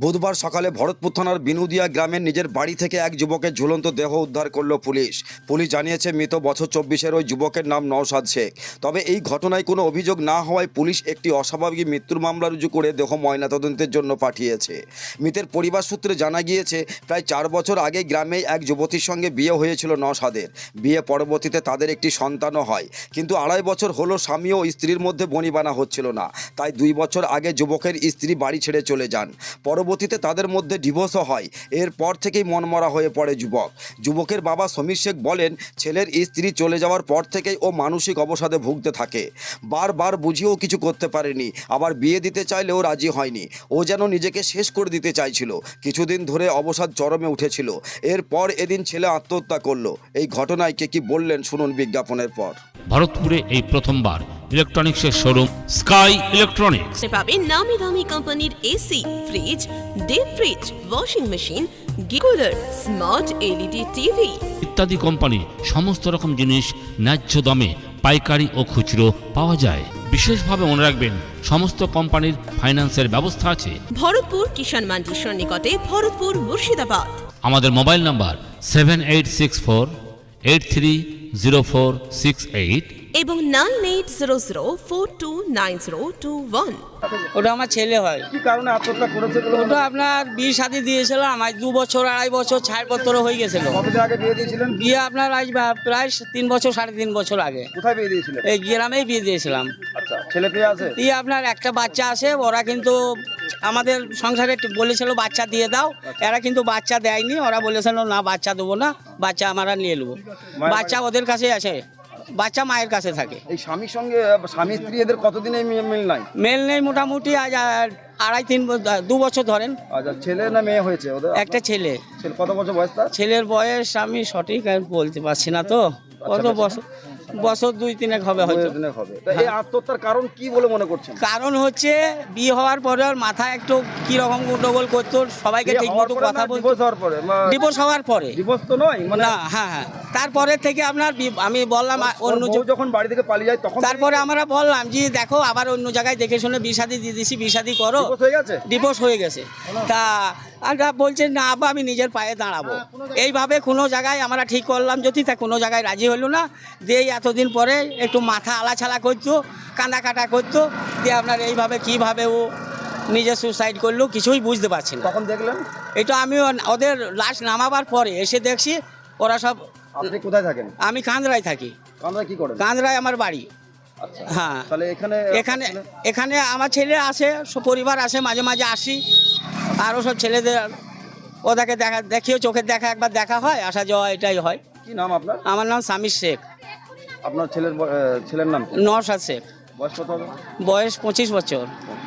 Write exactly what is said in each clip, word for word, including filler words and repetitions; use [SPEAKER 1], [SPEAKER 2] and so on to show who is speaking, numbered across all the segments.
[SPEAKER 1] বুধবার সকালে ভরতপুর থানার বিনুদিয়া গ্রামের নিজের বাড়ি থেকে এক যুবকের ঝুলন্ত দেহ উদ্ধার করল পুলিশ। পুলিশ জানিয়েছে মৃত বছর চব্বিশের ওই যুবকের নাম নওশাদ শেখ। তবে এই ঘটনায় কোনো অভিযোগ না হওয়ায় পুলিশ একটি অস্বাভাবিক মৃত্যুর মামলা রুজু করে দেহ ময়নাতদন্তের জন্য পাঠিয়েছে। মৃতের পরিবার সূত্রে জানা গিয়েছে প্রায় চার বছর আগে গ্রামে এক যুবতীর সঙ্গে বিয়ে হয়েছিল নওশাদের। বিয়ে পরবর্তীতে তাদের একটি সন্তানও হয়, কিন্তু আড়াই বছর হলো স্বামী ও স্ত্রীর মধ্যে বনিবানা হচ্ছিল না। তাই দুই বছর আগে যুবকের স্ত্রী বাড়ি ছেড়ে চলে যান। পরবর্তীতে তাদের মধ্যে ডিভোর্সও হয়। এরপর থেকেই মনমরা হয়ে পড়ে যুবক। যুবকের বাবা সমীর শেখ বলেন, ছেলের স্ত্রী চলে যাওয়ার পর থেকেই ও মানসিক অবসাদে ভুগতে থাকে। বারবার বুঝিয়েও কিছু করতে পারেনি, আবার বিয়ে দিতে চাইলেও রাজি হয়নি। ও যেন নিজেকে শেষ করে দিতে চাইছিল। কিছুদিন ধরে অবসাদ চরমে উঠেছিল। এরপর এদিন ছেলে আত্মহত্যা করলো। এই ঘটনায় কে কি বললেন শুনুন বিজ্ঞাপনের পর।
[SPEAKER 2] ভারতপুরে এই প্রথমবার ইলেকট্রনিক্সের শোরুম স্কাই ইলেকট্রনিক্স
[SPEAKER 3] পাবেন নামি দামি কোম্পানির AC, fridge, deep fridge, washing machine, গিকুলার, স্মার্ট এলইডি টিভি
[SPEAKER 2] ইত্যাদি কোম্পানি সমস্ত রকম জিনিস ন্যায্য দামে পাইকারি ও খুচরো পাওয়া যায়। বিশেষভাবে মনে রাখবেন, সমস্ত কোম্পানির ফাইন্যান্সের ব্যবস্থা আছে।
[SPEAKER 3] ভরতপুর কিষাণ মান্ডির সন্নিকটে, ভরতপুর, মুর্শিদাবাদ।
[SPEAKER 2] আমাদের mobile number seven eight six four eight three zero four six eight
[SPEAKER 3] এবং nine eight zero zero four two nine zero two one.
[SPEAKER 4] ওটা আমার ছেলে হয়।
[SPEAKER 1] কি কারণে আত্মহত্যা করেছে?
[SPEAKER 4] ওটা আপনার বিয়ে শাদী দিয়েছিল, আমার দু বছর আড়াই বছর ছাড়পত্র হয়ে গেছিল।
[SPEAKER 1] কতদিন আগে বিয়ে দিয়েছিলেন?
[SPEAKER 4] বিয়ে আপনার আজ বা- প্রায় তিন বছর সাড়ে তিন বছর আগে।
[SPEAKER 1] কোথায় বিয়ে দিয়েছিলেন?
[SPEAKER 4] এই গ্রামেই বিয়ে দিয়েছিলাম।
[SPEAKER 1] আচ্ছা, ছেলে পেয়ে আছে?
[SPEAKER 4] দিয়ে আপনার একটা বাচ্চা আসে, ওরা কিন্তু আমাদের সংসারে বলেছিল বাচ্চা দিয়ে দাও, এরা কিন্তু বাচ্চা দেয়নি। ওরা বলেছিল না বাচ্চা দেবো না, বাচ্চা আমরা নিয়ে নেবো। বাচ্চা ওদের কাছে আসে, বাচ্চা মায়ের কাছে থাকে।
[SPEAKER 1] এই স্বামীর সঙ্গে স্বামী স্ত্রী এদের কতদিন এই মিল নাই?
[SPEAKER 4] মেল নেই মোটামুটি আজ আর আড়াই তিন ব- দু বছর ধরেন।
[SPEAKER 1] আচ্ছা, ছেলে না মেয়ে হয়েছে ওদের?
[SPEAKER 4] একটা ছেলে।
[SPEAKER 1] ছেলে কত বছর বয়স তার?
[SPEAKER 4] ছেলের বয়স আমি সঠিক আর বলতে পারছি না তো, কত বছর বছর দুই তিনেক হবে হয়তো।
[SPEAKER 1] দুই দিনের হবে। তা এই আত্মহত্যার কারণ কি বলে মনে করছেন?
[SPEAKER 4] কারণ হচ্ছে বিয়ে হওয়ার পরে ওর মাথায় একটু কি রকম গন্ডগোল করতো, সবাইকে ঠিক মতো কথা বলতো।
[SPEAKER 1] ডিভোর্স হওয়ার পরে?
[SPEAKER 4] ডিভোর্স হওয়ার পরে
[SPEAKER 1] ডিভোর্স তো নয় মানে
[SPEAKER 4] না, হ্যাঁ হ্যাঁ তারপরে থেকে আপনার বি- আমি বললাম আ- অন্য
[SPEAKER 1] বউ
[SPEAKER 4] জ-
[SPEAKER 1] যখন বাড়ি থেকে পালিয়ে যায় তখন
[SPEAKER 4] তারপরে আমরা বললাম যে দেখো আবার অন্য জায়গায় দেখে শুনে বিষাদি দিয়ে দিছি, বিষাদি করো।
[SPEAKER 1] ডিভোর্স হয়ে গেছে?
[SPEAKER 4] ডিভোর্স হয়ে গেছে। তা আমরা বলছেন না আব্বা আমি নিজের পায়ে দাঁড়াবো। এইভাবে কোনো জায়গায় আমরা ঠিক করলাম যদি তা কোনো জায়গায় রাজি হলো না। দিয়ে এতদিন পরে একটু মাথা আলাছালা করতো, কান্দা কাটা করতো। দিয়ে আপনার এইভাবে কিভাবে ও নিজে সুসাইড করলো কিছুই বুঝতে পারছি না।
[SPEAKER 1] তখন দেখলেন?
[SPEAKER 4] এটা আমি ও- ওদের লাশ নামাবার পরে এসে দেখছি ওরা সব।
[SPEAKER 1] আপনি কোথায় থাকেন?
[SPEAKER 4] আমি কান্দ্রায় থাকি।
[SPEAKER 1] আমরা কি করেন?
[SPEAKER 4] কান্দ্রায় আমার বাড়ি।
[SPEAKER 1] আচ্ছা,
[SPEAKER 4] হ্যাঁ
[SPEAKER 1] তাহলে এখানে
[SPEAKER 4] এখানে এখানে আমার ছেলে আসে, সব পরিবার আসে, মাঝে মাঝে আসি। আরও সব ছেলেদের ওদেরকে দেখা দেখিও, চোখের দেখা একবার দেখা হয়, আসা যাওয়া এটাই হয়।
[SPEAKER 1] কি নাম আপনার?
[SPEAKER 4] আমার নাম সামির শেখ।
[SPEAKER 1] আপনার ছেলের ব- আহ, ছেলের নাম কি?
[SPEAKER 4] নওশাদ শেখ।
[SPEAKER 1] বয়স কত হবে?
[SPEAKER 4] বয়স পঁচিশ বছর।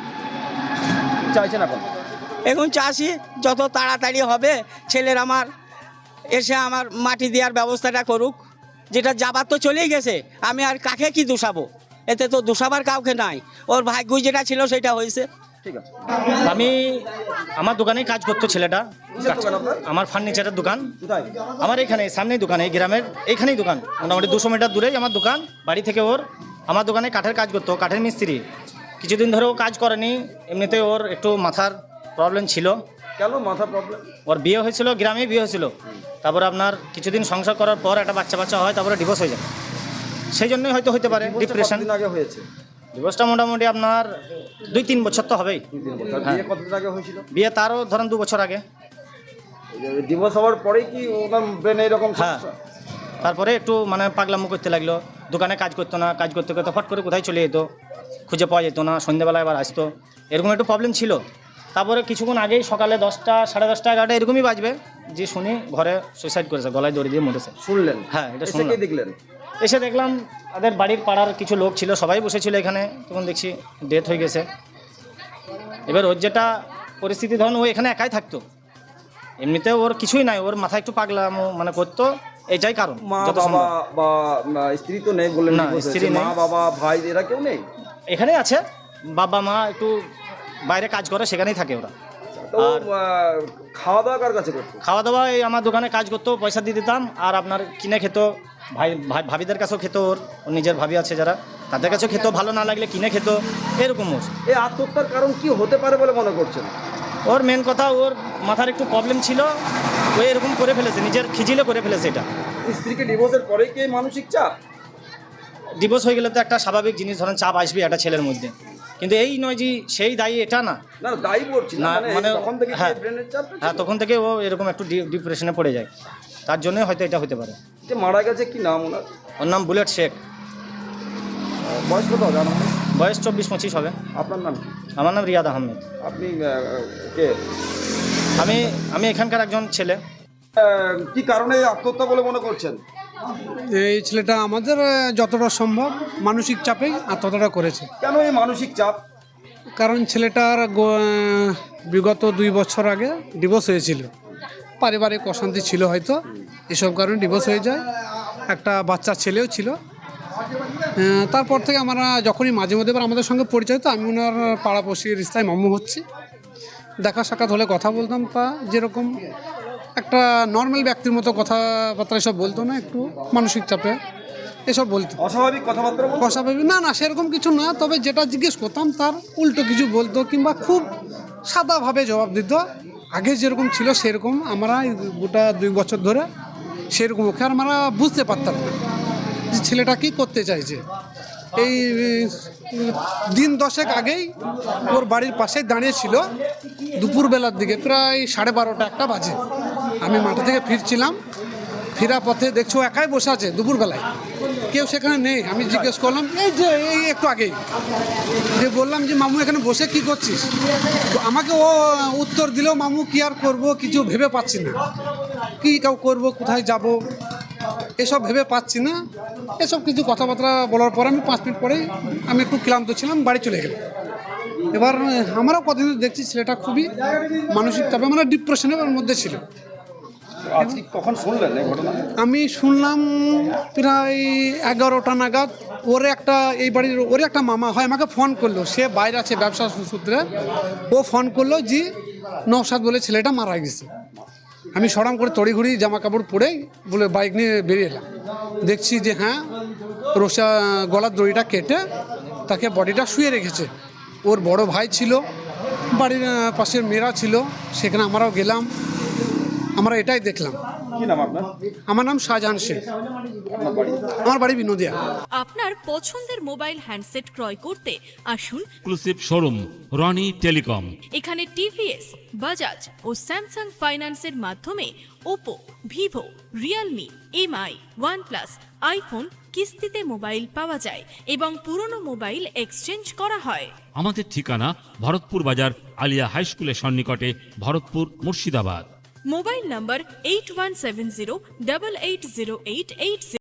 [SPEAKER 1] কি চাইছেন এখন?
[SPEAKER 4] এখন চাষি যত তাড়াতাড়ি হবে ছেলের আমার এসে আমার মাটি দেওয়ার ব্যবস্থাটা করুক। যেটা যাবার তো চলেই গেছে, আমি আর কাকে কি দোষাবো? এতে তো দোষাবার কাউকে নাই। ওর ভাগ্য যেটা ছিল সেটা হয়েছে।
[SPEAKER 1] ঠিক আছে।
[SPEAKER 5] আমি আমার দোকানে কাজ করতো ছেলেটা।
[SPEAKER 1] কিসের দোকান আপনার?
[SPEAKER 5] আমার ফার্নিচারের দোকান।
[SPEAKER 1] কোথায়?
[SPEAKER 5] আমার এখানে সামনেই দোকান, এই গ্রামের এইখানেই দোকান, মোটামুটি দুশো মিটার দূরেই আমার দোকান। বাড়ি থেকে ওর আমার দোকানে কাঠের কাজ করতো, কাঠের মিস্ত্রি। কিছুদিন ধরে ও কাজ করেনি, এমনিতে ওর একটু মাথার প্রবলেম ছিল।
[SPEAKER 1] কেন মাথা প্রবলেম?
[SPEAKER 5] ওর বিয়ে হয়েছিল, গ্রামেই বিয়ে হয়েছিল। তারপরে আপনার কিছুদিন সংসার করার পর একটা বাচ্চা বাচ্চা হয়, তারপরে ডিভোর্স হয়ে যায়। সেই জন্যই হয়তো হতে পারে ডিপ্রেশন।
[SPEAKER 1] কতদিন আগে হয়েছে?
[SPEAKER 5] ডিভোর্সটা মোটামুটি আপনার দুই তিন বছর তো হবেই।
[SPEAKER 1] তিন দিন বছর। আর
[SPEAKER 5] হ্যাঁ।
[SPEAKER 1] বিয়ে কতদিন আগে হয়েছিল?
[SPEAKER 5] বিয়ে তারও ধরেন দু বছর আগে।
[SPEAKER 1] ডিভোর্স হওয়ার পরেই কি ওনার ব্রেনে এরকম
[SPEAKER 5] হ্যাঁ,
[SPEAKER 1] সমস্যা?
[SPEAKER 5] তারপরে একটু মানে পাগলামো করতে লাগলো। দোকানে কাজ করতো না, কাজ করতে করতে ফট করে কোথায় চলে যেত, খুঁজে পাওয়া যেত না। সন্ধ্যেবেলা এবার আসতো, এরকম একটু প্রবলেম ছিল। তারপরে কিছুক্ষণ আগেই সকালে দশটা সাড়ে দশটা এগারোটা এরকমই বাজবে যে শুনি ঘরে সুইসাইড করেছে, গলায় দড়ি দিয়ে মরেছে।
[SPEAKER 1] শুনলেন?
[SPEAKER 5] হ্যাঁ, এটা
[SPEAKER 1] এসে
[SPEAKER 5] শুনলাম।
[SPEAKER 1] কি দেখলেন?
[SPEAKER 5] এসে দেখলাম তাদের বাড়ির পাড়ার কিছু লোক ছিল, সবাই বসেছিল এখানে। তখন দেখছি ডেথ হয়ে গেছে। এবার ওর যেটা পরিস্থিতি, ধরুন ও এখানে একাই থাকতো, এমনিতে ওর কিছুই নাই, ওর মাথায় একটু পাগলামো মানে করতো, এইটাই কারণ।
[SPEAKER 1] মা
[SPEAKER 5] যত
[SPEAKER 1] বাবা
[SPEAKER 5] সম্ভব।
[SPEAKER 1] বা মা, স্ত্রী তো নেই বললেন?
[SPEAKER 5] না,
[SPEAKER 1] divorce
[SPEAKER 5] স্ত্রী
[SPEAKER 1] হয়েছে।
[SPEAKER 5] নেই।
[SPEAKER 1] মা বাবা ভাই এরা কেউ নেই?
[SPEAKER 5] এখানে আছে, বাবা মা একটু বাইরে কাজ করে, সেখানেই থাকে ওরা।
[SPEAKER 1] তো আহ, খাওয়া দাওয়া কার কাছে করতো?
[SPEAKER 5] খাওয়া দাওয়া এই আমার দোকানে কাজ করতো, পয়সা দিয়ে দিতাম। আর আপনার কিনে খেত, ভাই ভাই ভাবিদের কাছেও খেত। ওর ওর নিজের ভাবি আছে যারা, তাদের কাছেও খেত, ভালো না লাগলে কিনে খেত, এরকম ওর।
[SPEAKER 1] এই আত্মহত্যার কারণ কি হতে পারে বলে মনে করছেন?
[SPEAKER 5] ওর মেন কথা ওর মাথার একটু প্রবলেম ছিল, ও এরকম করে ফেলেছে, নিজের খিজিলে করে ফেলেছে এটা।
[SPEAKER 1] স্ত্রীকে ডিভোর্সের পরে কি এই মানসিক চাপ?
[SPEAKER 5] ডিভোর্স হয়ে গেলে তো একটা স্বাভাবিক জিনিস, ধরেন চাপ আসবে একটা ছেলের মধ্যে, কিন্তু এই নয় যে সেই দায়ী এটা না।
[SPEAKER 1] না দায়ী বলছি না,
[SPEAKER 5] না,
[SPEAKER 1] মানে
[SPEAKER 5] মানে
[SPEAKER 1] তখন থেকে
[SPEAKER 5] হ্যাঁ
[SPEAKER 1] ব্রেনের চাপ
[SPEAKER 5] হ্যাঁ তখন থেকে ও এরকম একটু ডিপ্রেশনে পড়ে যায়, তার জন্য হয়তো এটা হতে পারে।
[SPEAKER 1] যে মারা গেছে কি নাম ওনার?
[SPEAKER 5] ওর নাম বুলেট শেখ,
[SPEAKER 1] বয়স কত জানো?
[SPEAKER 5] বয়স চব্বিশ পঁচিশ হবে।
[SPEAKER 1] আপনার নাম কি?
[SPEAKER 5] আমার নাম রিয়াদ আহমেদ।
[SPEAKER 1] আপনি আহ, কে?
[SPEAKER 5] আমি আমি এখানকার একজন ছেলে।
[SPEAKER 1] আহ, কি কারণে আত্মহত্যা বলে মনে করছেন?
[SPEAKER 6] এই ছেলেটা আমাদের আহ, যতটা সম্ভব মানসিক চাপেই আত্মহত্যা করেছে।
[SPEAKER 1] কেন এই মানসিক চাপ?
[SPEAKER 6] কারণ ছেলেটার গো- আহ, বিগত দুই বছর আগে ডিভোর্স হয়েছিল, পারিবারিক অশান্তি ছিল হয়তো, এসব কারণে ডিভোর্স হয়ে যায়। একটা বাচ্চা ছেলেও ছিল। আহ, তারপর থেকে আমরা যখনই মাঝে মধ্যে এবার আমাদের সঙ্গে পরিচয়, তো আমি ওনার পাড়াপড়শি রিস্তায় মামু হচ্ছি, দেখা সাক্ষাৎ হলে কথা বলতাম, তা যেরকম একটা নর্মাল ব্যক্তির মতো কথাবার্তা এসব বলতো না, একটু মানসিক চাপে এসব বলতো।
[SPEAKER 1] অস্বাভাবিক কথাবার্তা বলতো?
[SPEAKER 6] অস্বাভাবিক না না সেরকম কিছু না, তবে যেটা জিজ্ঞেস করতাম তার উল্টো কিছু বলতো, কিংবা খুব সাদাভাবে জবাব দিত। আগে যেরকম ছিল সেরকম আমরা এই গোটা দুই বছর ধরে সেরকম ওকে আর আমরা বুঝতে পারতাম না যে ছেলেটা কী করতে চাইছে। এই উম, দিন দশেক আগেই ওর বাড়ির পাশে দাঁড়িয়েছিল, দুপুরবেলার দিকে প্রায় সাড়ে বারোটা একটা বাজে। আমি মাঠে থেকে ফিরছিলাম, ফেরা পথে দেখছো একাই বসে আছে দুপুরবেলায়, কেউ সেখানে নেই। আমি জিজ্ঞেস করলাম এই যে এই একটু আগেই, যে বললাম যে মামু এখানে বসে কি করছিস? তো আমাকে ও উত্তর দিল, মামু কি আর করবো, কিছু ভেবে পাচ্ছি না, কী কাউ করবো, কোথায় যাব, এসব ভেবে পাচ্ছি না। এসব কিছু কথাবার্তা বলার পর আমি পাঁচ মিনিট পরেই আমি একটু ক্লান্ত ছিলাম, বাড়ি চলে গেলাম। এবার আমারও কদিন দেখছি ছেলেটা খুবই মানসিক চাপে, মানে ডিপ্রেশনের মধ্যে ছিল।
[SPEAKER 1] আজকে কখন শুনলেন এই ঘটনা?
[SPEAKER 6] আমি শুনলাম প্রায় এগারোটা নাগাদ। ওর একটা এই বাড়ির ওর একটা মামা হয় আমাকে ফোন করলো, সে বাইরে আছে ব্যবসা সূত্রে। ও ফোন করলো যে নওশাদ বলে ছেলেটা মারা গেছে। আমি সরাম করে তড়িঘড়ি জামা কাপড় পরে বলে বাইক নিয়ে বেরিয়ে এলাম, দেখছি যে হ্যাঁ রোসা গলার দড়িটা কেটে তাকে বডিটা শুয়ে রেখেছে। ওর বড় ভাই ছিল, বাড়ির আহ, পাশের মেয়েরা ছিল, সেখানে আমরাও গেলাম, আমরা এটাই দেখলাম।
[SPEAKER 1] কি নাম আপনার?
[SPEAKER 6] আমার নাম শাহজাহান শেখ,
[SPEAKER 1] আপনার বাড়ি?
[SPEAKER 6] আমার বাড়ি বিনোদিয়া।
[SPEAKER 7] আপনার পছন্দের মোবাইল হ্যান্ডসেট ক্রয় করতে আসুন
[SPEAKER 2] এক্সক্লুসিভ শোরুম রনি টেলিকম।
[SPEAKER 7] এখানে টিভিএস, বাজাজ ও স্যামসাং ফাইন্যান্সের মাধ্যমে Oppo, Vivo, Realme, Mi, OnePlus, iPhone কিস্তিতে মোবাইল পাওয়া যায় এবং পুরনো মোবাইল এক্সচেঞ্জ করা হয়।
[SPEAKER 2] আমাদের ঠিকানা ভরতপুর বাজার আলিয়া হাই স্কুলের সন্নিকটে, Bharatpur, Murshidabad.
[SPEAKER 7] Mobile number eight one seven zero double eight zero eight eight